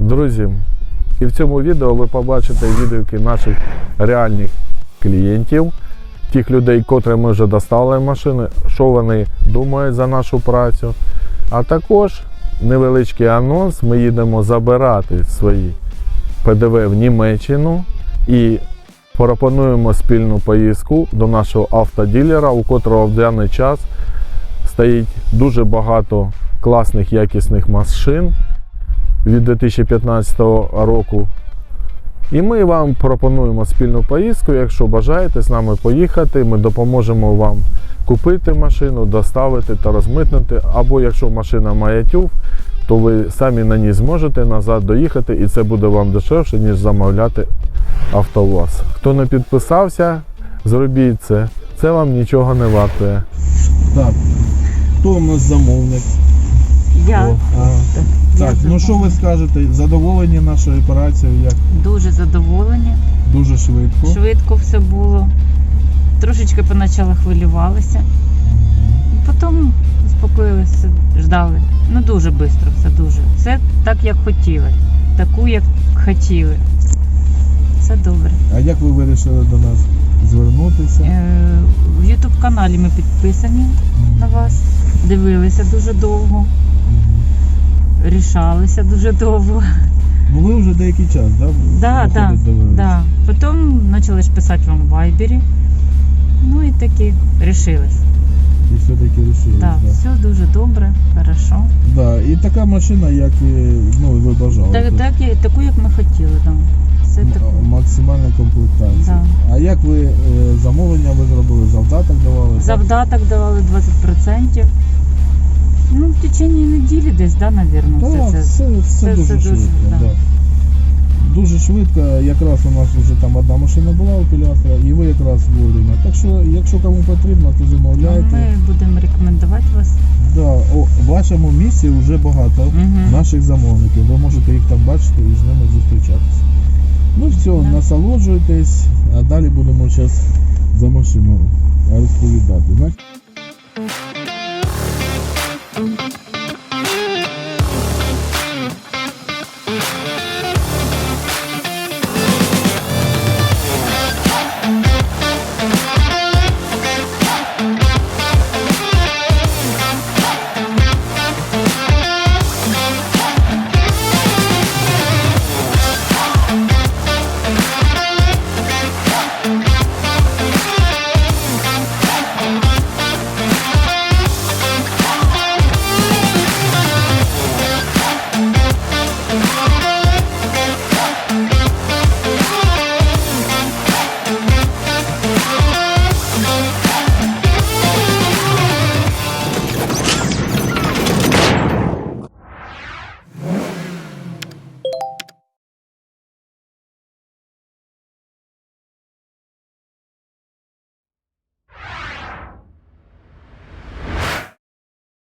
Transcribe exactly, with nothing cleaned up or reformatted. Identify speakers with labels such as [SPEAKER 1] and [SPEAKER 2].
[SPEAKER 1] Друзі, і в цьому відео ви побачите відгуки наших реальних клієнтів, тих людей, котрим ми вже достали машини, що вони думають за нашу працю. А також невеличкий анонс, ми їдемо забирати свої пе де ве в Німеччину і пропонуємо спільну поїздку до нашого автодилера, у котрого в даний час стоїть дуже багато класних якісних машин від дві тисячі п'ятнадцятого року. І ми вам пропонуємо спільну поїздку. Якщо бажаєте з нами поїхати, ми допоможемо вам купити машину, доставити та розмитнити. Або якщо машина має тюф, то ви самі на ній зможете назад доїхати, і це буде вам дешевше, ніж замовляти АвтоВАЗ. Хто не підписався, зробіть це. Це вам нічого не вартує.
[SPEAKER 2] Так, хто у нас замовник?
[SPEAKER 3] Я.
[SPEAKER 2] О, ага.
[SPEAKER 3] Я
[SPEAKER 2] Так, ну
[SPEAKER 3] замовник.
[SPEAKER 2] що ви скажете? Задоволені нашою операцією? Як?
[SPEAKER 3] Дуже задоволені.
[SPEAKER 2] Дуже швидко.
[SPEAKER 3] Швидко все було. Трошечки поначалу хвилювалися. Потім успокоїлися, ждали. Ну дуже швидко все, дуже. Все так, як хотіли. Таку, як хотіли. Все добре.
[SPEAKER 2] А як ви вирішили до нас звернутися?
[SPEAKER 3] Е, в ютуб-каналі ми підписані на вас. Дивилися дуже довго. Рішалися дуже довго.
[SPEAKER 2] Ну ви вже деякий час, да?
[SPEAKER 3] Да, да, да. Потім почали ж писати вам в вайбері. Ну і таки рішились.
[SPEAKER 2] І все-таки вирішили.
[SPEAKER 3] Да,
[SPEAKER 2] Да.
[SPEAKER 3] все дуже добре, хорошо.
[SPEAKER 2] Да. І така машина, як ну, ви бажали.
[SPEAKER 3] Так,
[SPEAKER 2] Тут
[SPEAKER 3] так, і- таку, як ми хотіли, да. Все
[SPEAKER 2] м-
[SPEAKER 3] таку.
[SPEAKER 2] максимальна комплектація.
[SPEAKER 3] Да.
[SPEAKER 2] А як ви е, замовлення ви зробили? Завдаток давали?
[SPEAKER 3] Завдаток давали двадцять відсотків. Ну, в течение неділі десь, да, навірно,
[SPEAKER 2] Так,
[SPEAKER 3] все
[SPEAKER 2] все,
[SPEAKER 3] це.
[SPEAKER 2] все,
[SPEAKER 3] все-
[SPEAKER 2] дуже
[SPEAKER 3] все дуже,
[SPEAKER 2] швидко.
[SPEAKER 3] да.
[SPEAKER 2] Да. Дуже швидко, якраз у нас вже там одна машина була у Пілястра, і ви якраз вовремя. Так що, якщо кому потрібно, то замовляйте.
[SPEAKER 3] Ми будемо рекомендувати вас.
[SPEAKER 2] Да, о, в вашому місці вже багато
[SPEAKER 3] Мгм.
[SPEAKER 2] наших замовників. Ви можете їх там бачити і з ними зустрічатися. Ну все,
[SPEAKER 3] Да.
[SPEAKER 2] насолоджуйтесь, а далі будемо зараз за машину розповідати. Знаєте?